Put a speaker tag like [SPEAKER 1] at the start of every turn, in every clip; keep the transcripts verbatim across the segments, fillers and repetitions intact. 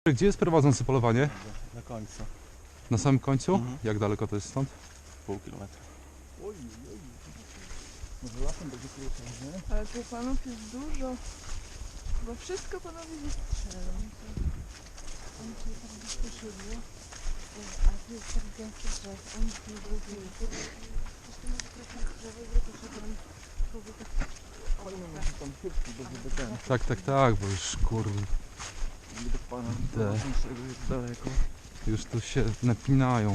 [SPEAKER 1] Gdzie jest prowadzący polowanie?
[SPEAKER 2] Na końcu.
[SPEAKER 1] Na samym końcu?
[SPEAKER 2] Mhm.
[SPEAKER 1] Jak daleko to jest stąd?
[SPEAKER 2] Pół kilometra.
[SPEAKER 3] Oj, oj. Może lasem będzie krócej, nie?
[SPEAKER 4] Ale tu panów jest dużo, bo wszystko panowie wystrzelą. Oni tutaj tak bezpośrednio, a tu jest tak gęsto drzew, oni tu nie buduje. Zresztą może trochę drzewo i trochę tam próby tak...
[SPEAKER 3] Fajnie, może tam chybki, bo żeby ten,
[SPEAKER 1] Tak, tak, tak, bo już kurde,
[SPEAKER 3] żeby do pana prowadzącego jest daleko.
[SPEAKER 1] już tu się napinają.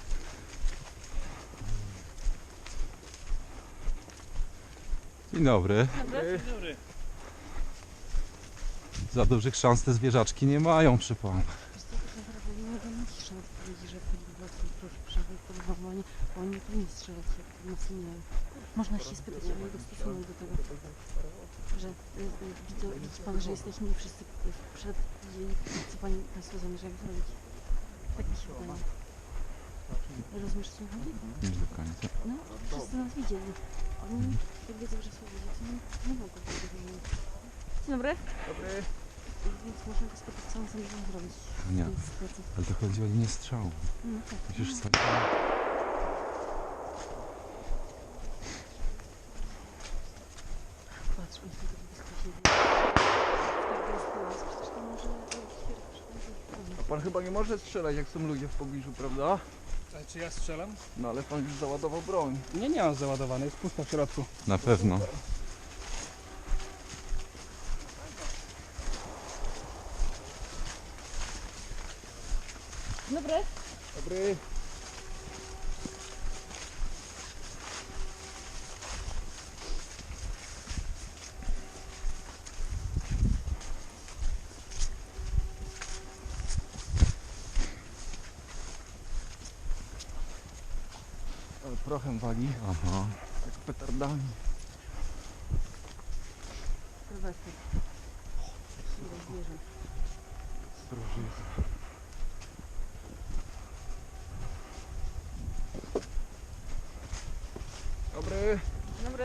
[SPEAKER 1] Dzień dobry.
[SPEAKER 4] Dobry.
[SPEAKER 1] Za dużych szans te zwierzaczki nie mają, przy panu.
[SPEAKER 5] Wiesz co, tak naprawdę nie mogę mieć szans powiedzieć, że poliwacją proszę przebyć polowanie, bo oni nie powinni strzelać jak nas nie. Można się spytać o jego stosunek do tego, że y, y, widzę, widzi pan, że jesteśmy wszyscy przed i co pani, państwo zamierzają zrobić. Tak mi się wydaje. Rozumiesz, co mi chodzi?
[SPEAKER 1] Nie do końca.
[SPEAKER 5] No, wszyscy nas widzieli. Oni jak wiedzą, że są ludzie, to nie, nie mogą tego zrobić. Dzień dobry.
[SPEAKER 3] Dobry.
[SPEAKER 5] Więc można go spytać, co on zamierza zrobić w
[SPEAKER 1] Nie,
[SPEAKER 5] tej sytuacji.
[SPEAKER 1] ale to chodzi o linię strzału.
[SPEAKER 5] No tak.
[SPEAKER 1] Musisz stać.
[SPEAKER 5] Patrz, on sobie tak blisko siedzi. Tak jest teraz, przecież to może
[SPEAKER 3] A pan chyba nie może strzelać, jak są ludzie w pobliżu, prawda?
[SPEAKER 2] A czy ja strzelam?
[SPEAKER 3] No ale pan już załadował broń.
[SPEAKER 2] Nie, nie mam załadowane, jest pusto w środku.
[SPEAKER 1] Na pewno.
[SPEAKER 5] Dobry.
[SPEAKER 3] Dobry. Ale prochem wali,
[SPEAKER 1] Aha.
[SPEAKER 3] jak petardami.
[SPEAKER 5] Sylwester. Ile zwierząt.
[SPEAKER 3] Proszę. Dobry.
[SPEAKER 5] Dobry.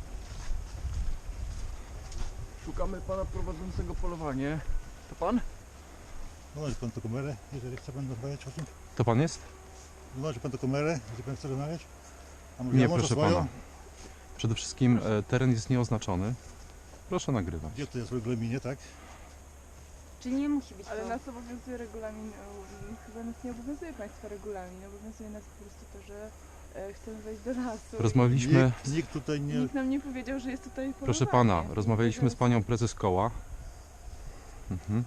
[SPEAKER 3] Szukamy pana prowadzącego polowanie. To pan?
[SPEAKER 6] Wyłączy pan tę kamerę, jeżeli chce pan rozmawiać o tym.
[SPEAKER 1] To pan jest?
[SPEAKER 6] Wyłączy pan tę kamerę, jeżeli pan chce rozmawiać. A może
[SPEAKER 1] Nie,
[SPEAKER 6] ja może
[SPEAKER 1] proszę
[SPEAKER 6] swoją?
[SPEAKER 1] pana. Przede wszystkim e, teren jest nieoznaczony. Proszę nagrywać.
[SPEAKER 6] Gdzie to jest w regulaminie, tak?
[SPEAKER 5] Czy nie musi być
[SPEAKER 4] Ale
[SPEAKER 5] to?
[SPEAKER 4] nas obowiązuje regulamin, um, chyba nas nie obowiązuje państwa regulamin, obowiązuje nas po prostu to, że e, chcemy wejść do lasu.
[SPEAKER 1] Rozmawialiśmy,
[SPEAKER 6] Nikt, nikt tutaj nie...
[SPEAKER 4] Nikt nam nie powiedział, że jest tutaj polowanie.
[SPEAKER 1] proszę pana, rozmawialiśmy z panią prezes koła. Mhm.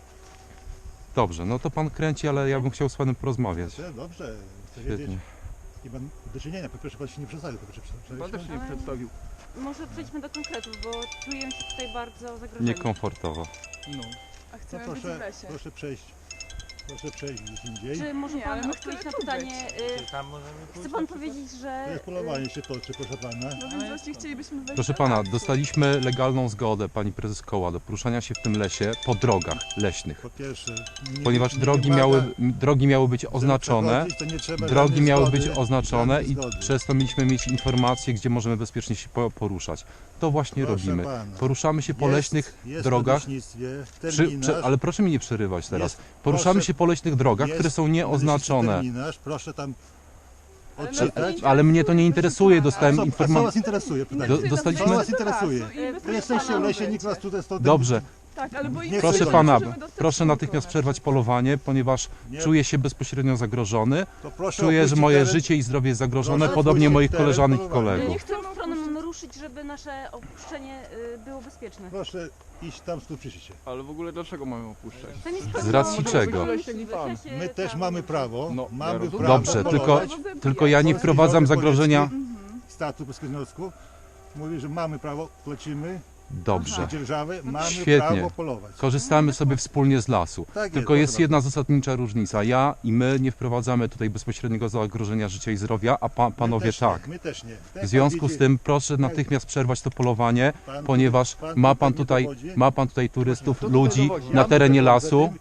[SPEAKER 1] Dobrze, no to pan kręci, ale ja bym chciał z panem porozmawiać.
[SPEAKER 6] Dobrze, dobrze. Chcę wiedzieć.
[SPEAKER 1] Świetnie.
[SPEAKER 6] Nie mam do czynienia, po pierwsze pan się nie przedstawił, to proszę
[SPEAKER 3] Pan też się nie
[SPEAKER 5] Ale-
[SPEAKER 3] przedstawił.
[SPEAKER 5] Może przejdźmy do konkretów, bo czuję się tutaj bardzo zagrożeni.
[SPEAKER 1] Niekomfortowo.
[SPEAKER 3] No.
[SPEAKER 4] A
[SPEAKER 6] To
[SPEAKER 4] chcemy być w
[SPEAKER 6] proszę,
[SPEAKER 4] lesie.
[SPEAKER 6] proszę przejść. Proszę przejść gdzieś indziej.
[SPEAKER 5] Czy może
[SPEAKER 4] Nie, ale
[SPEAKER 5] pan
[SPEAKER 4] my chcemy
[SPEAKER 5] odpowiedzieć na
[SPEAKER 4] tu
[SPEAKER 5] pytanie? Y,
[SPEAKER 2] Tam możemy
[SPEAKER 5] chce pan powiedzieć, że...
[SPEAKER 6] To jest polowanie się toczy, proszę pana.
[SPEAKER 4] No więc właśnie chcielibyśmy wejść
[SPEAKER 1] Proszę
[SPEAKER 4] do
[SPEAKER 1] pana,
[SPEAKER 4] lasu.
[SPEAKER 1] dostaliśmy legalną zgodę pani prezes koła do poruszania się w tym lesie po drogach leśnych.
[SPEAKER 6] Po pierwsze... Nie,
[SPEAKER 1] Ponieważ
[SPEAKER 6] nie
[SPEAKER 1] drogi
[SPEAKER 6] wymaga,
[SPEAKER 1] miały, drogi miały być
[SPEAKER 6] żeby
[SPEAKER 1] oznaczone,
[SPEAKER 6] przechodzić, to nie trzeba
[SPEAKER 1] drogi
[SPEAKER 6] żadnej
[SPEAKER 1] miały
[SPEAKER 6] zgody,
[SPEAKER 1] być oznaczone
[SPEAKER 6] żadnej
[SPEAKER 1] i
[SPEAKER 6] zgody.
[SPEAKER 1] przez to mieliśmy mieć informacje, gdzie możemy bezpiecznie się po- poruszać. To właśnie
[SPEAKER 6] Proszę
[SPEAKER 1] robimy.
[SPEAKER 6] pana.
[SPEAKER 1] Poruszamy się po
[SPEAKER 6] Jest-
[SPEAKER 1] leśnych
[SPEAKER 6] jest
[SPEAKER 1] drogach.
[SPEAKER 6] w leśnictwie
[SPEAKER 1] Przy,
[SPEAKER 6] terminarz.
[SPEAKER 1] prze, ale proszę mi nie przerywać teraz.
[SPEAKER 6] Jest-
[SPEAKER 1] Poruszamy
[SPEAKER 6] proszę-
[SPEAKER 1] się po leśnych drogach,
[SPEAKER 6] jest
[SPEAKER 1] które są
[SPEAKER 6] w leśnictwie
[SPEAKER 1] nieoznaczone.
[SPEAKER 6] terminarz, proszę tam
[SPEAKER 4] Ale nas
[SPEAKER 6] odczytać.
[SPEAKER 4] nie
[SPEAKER 1] Ale mnie to nie interesuje,
[SPEAKER 4] proszę
[SPEAKER 1] dostałem
[SPEAKER 4] pana.
[SPEAKER 6] Co, a co
[SPEAKER 1] informację.
[SPEAKER 6] was interesuje? Pytanie.
[SPEAKER 1] Do-
[SPEAKER 4] Interesuje nas
[SPEAKER 1] dostaliśmy-
[SPEAKER 4] wejście
[SPEAKER 6] Co
[SPEAKER 4] do
[SPEAKER 6] was interesuje?
[SPEAKER 4] lasu i
[SPEAKER 5] Wy
[SPEAKER 6] Wy
[SPEAKER 4] bezpieczne
[SPEAKER 6] jesteście w lesie,
[SPEAKER 4] będzie.
[SPEAKER 6] nikt was tutaj stąd...
[SPEAKER 1] Dobrze,
[SPEAKER 4] Tak, ale bo
[SPEAKER 6] Nie
[SPEAKER 4] inaczej
[SPEAKER 1] proszę
[SPEAKER 6] chcę
[SPEAKER 4] nie
[SPEAKER 1] pana,
[SPEAKER 4] możemy dostać
[SPEAKER 1] proszę
[SPEAKER 4] skórką
[SPEAKER 1] natychmiast
[SPEAKER 4] na
[SPEAKER 1] przerwać
[SPEAKER 4] przykład.
[SPEAKER 1] polowanie, ponieważ
[SPEAKER 6] Nie,
[SPEAKER 1] czuję się bezpośrednio zagrożony.
[SPEAKER 6] to proszę
[SPEAKER 1] Czuję, że
[SPEAKER 6] opuścić
[SPEAKER 1] moje
[SPEAKER 6] teren.
[SPEAKER 1] życie i zdrowie jest zagrożone,
[SPEAKER 6] Proszę
[SPEAKER 1] podobnie
[SPEAKER 6] opuścić
[SPEAKER 1] moich
[SPEAKER 6] teren
[SPEAKER 1] koleżanek i
[SPEAKER 6] polowania.
[SPEAKER 1] kolegów.
[SPEAKER 5] Nie którą stronę mamy ruszyć, żeby nasze opuszczenie y, było bezpieczne?
[SPEAKER 6] Proszę iść tam, skąd przyjdziecie.
[SPEAKER 3] Ale w ogóle dlaczego mamy opuszczać?
[SPEAKER 5] To nie
[SPEAKER 1] Z racji czego?
[SPEAKER 6] My też mamy prawo,
[SPEAKER 3] No, ja
[SPEAKER 6] mamy
[SPEAKER 3] rozumiem.
[SPEAKER 6] prawo
[SPEAKER 1] Dobrze,
[SPEAKER 6] polować.
[SPEAKER 1] tylko, tylko ja nie wprowadzam zagrożenia.
[SPEAKER 4] Mhm.
[SPEAKER 6] Statu Polskiego Związku mówi, że mamy prawo, plecimy,
[SPEAKER 1] Dobrze,
[SPEAKER 6] dzierżawy, mamy
[SPEAKER 1] Świetnie.
[SPEAKER 6] prawo polować.
[SPEAKER 1] korzystamy sobie wspólnie z lasu.
[SPEAKER 6] Tak
[SPEAKER 1] Tylko jest
[SPEAKER 6] proszę
[SPEAKER 1] jedna zasadnicza różnica. Ja i my nie wprowadzamy tutaj bezpośredniego zagrożenia życia i zdrowia, a pa,
[SPEAKER 6] bardzo.
[SPEAKER 1] panowie
[SPEAKER 6] My też
[SPEAKER 1] tak.
[SPEAKER 6] Nie, my też nie. Tak
[SPEAKER 1] W związku
[SPEAKER 6] pan
[SPEAKER 1] z
[SPEAKER 6] widzi,
[SPEAKER 1] tym proszę natychmiast przerwać to polowanie,
[SPEAKER 6] pan-
[SPEAKER 1] ponieważ
[SPEAKER 6] pan
[SPEAKER 1] ma pan
[SPEAKER 6] tutaj
[SPEAKER 1] tutaj,
[SPEAKER 6] nie dowodzi.
[SPEAKER 1] ma pan tutaj turystów,
[SPEAKER 3] Kto tutaj
[SPEAKER 1] ludzi
[SPEAKER 3] dowodzi?
[SPEAKER 1] na
[SPEAKER 6] Ja
[SPEAKER 1] terenie
[SPEAKER 6] prowadzę
[SPEAKER 1] lasu.
[SPEAKER 6] tym i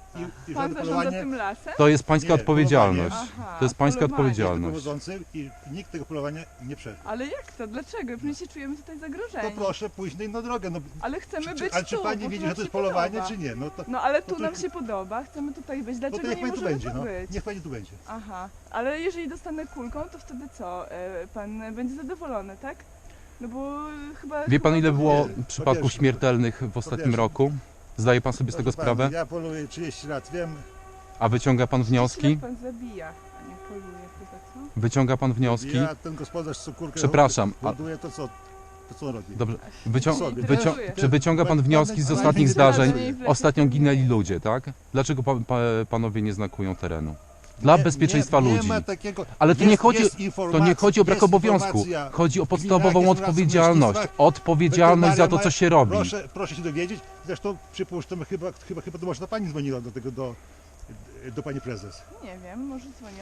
[SPEAKER 6] i
[SPEAKER 4] Pan
[SPEAKER 6] żadne
[SPEAKER 4] zarządza
[SPEAKER 6] polowanie.
[SPEAKER 4] tym lasem?
[SPEAKER 1] To jest pańska
[SPEAKER 6] Nie,
[SPEAKER 1] odpowiedzialność.
[SPEAKER 4] Aha,
[SPEAKER 1] To jest pańska
[SPEAKER 4] polowanie.
[SPEAKER 1] odpowiedzialność.
[SPEAKER 6] Prowadzący i nikt tego polowania nie przerwie.
[SPEAKER 4] Ale jak to? Dlaczego? My się czujemy tutaj
[SPEAKER 6] To
[SPEAKER 4] zagrożeni.
[SPEAKER 6] proszę pójść na inną drogę. No,
[SPEAKER 4] Ale chcemy
[SPEAKER 6] czy,
[SPEAKER 4] być
[SPEAKER 6] ale czy
[SPEAKER 4] tu,
[SPEAKER 6] pani
[SPEAKER 4] bo
[SPEAKER 6] widzi,
[SPEAKER 4] nam
[SPEAKER 6] że to
[SPEAKER 4] się
[SPEAKER 6] jest polowanie,
[SPEAKER 4] podoba.
[SPEAKER 6] czy nie? No to,
[SPEAKER 4] No ale tu
[SPEAKER 6] no to-
[SPEAKER 4] nam się podoba, chcemy tutaj być.
[SPEAKER 6] no
[SPEAKER 4] Dlaczego
[SPEAKER 6] to niech
[SPEAKER 4] nie
[SPEAKER 6] pani tu
[SPEAKER 4] możemy
[SPEAKER 6] będzie.
[SPEAKER 4] tu
[SPEAKER 6] No.
[SPEAKER 4] być?
[SPEAKER 6] Niech pani tu będzie.
[SPEAKER 4] Aha, ale jeżeli dostanę kulką, to wtedy co? E, Pan będzie zadowolony, tak? No bo chyba...
[SPEAKER 1] Wie pan,
[SPEAKER 4] chyba
[SPEAKER 1] ile
[SPEAKER 4] to-
[SPEAKER 1] było
[SPEAKER 6] Nie,
[SPEAKER 1] przypadków
[SPEAKER 6] powierzchnia.
[SPEAKER 1] śmiertelnych w ostatnim
[SPEAKER 6] Powierzchnia.
[SPEAKER 1] roku? Zdaje pan sobie z tego
[SPEAKER 6] Proszę pani,
[SPEAKER 1] sprawę?
[SPEAKER 6] Ja poluję trzydzieści lat, wiem.
[SPEAKER 1] A wyciąga pan wnioski?
[SPEAKER 4] Źle pan zabija, a nie poluje chyba, co?
[SPEAKER 1] Wyciąga pan wnioski?
[SPEAKER 6] Ja ten gospodarz co kurkę
[SPEAKER 1] Przepraszam, a-
[SPEAKER 6] hoduje, to co, to co on robi?
[SPEAKER 1] Dobrze. Wycią...
[SPEAKER 6] Sobie.
[SPEAKER 1] Wycią... Czy wyciąga pan wnioski z
[SPEAKER 6] Pan-
[SPEAKER 1] ostatnich
[SPEAKER 6] pan-
[SPEAKER 1] zdarzeń?
[SPEAKER 4] pan-
[SPEAKER 1] Ostatnio ginęli ludzie, tak? Dlaczego pa, pa, panowie nie znakują terenu? Dla
[SPEAKER 6] Nie-
[SPEAKER 1] bezpieczeństwa
[SPEAKER 6] nie,
[SPEAKER 1] ludzi.
[SPEAKER 6] Nie ma takiego,
[SPEAKER 1] Ale tu
[SPEAKER 6] jest,
[SPEAKER 1] nie chodzi,
[SPEAKER 6] jest
[SPEAKER 1] to
[SPEAKER 6] informacja,
[SPEAKER 1] nie chodzi o brak
[SPEAKER 6] jest
[SPEAKER 1] obowiązku.
[SPEAKER 6] informacja.
[SPEAKER 1] Chodzi o
[SPEAKER 6] Gminach
[SPEAKER 1] podstawową
[SPEAKER 6] jest razem
[SPEAKER 1] odpowiedzialność.
[SPEAKER 6] leśnictwa.
[SPEAKER 1] Odpowiedzialność za to, co się robi.
[SPEAKER 6] Proszę, proszę się dowiedzieć. Zresztą przypuszczam, chyba, chyba, chyba to może to pani dzwoniła do tego, do, do pani prezes.
[SPEAKER 4] Nie wiem, może dzwoniła.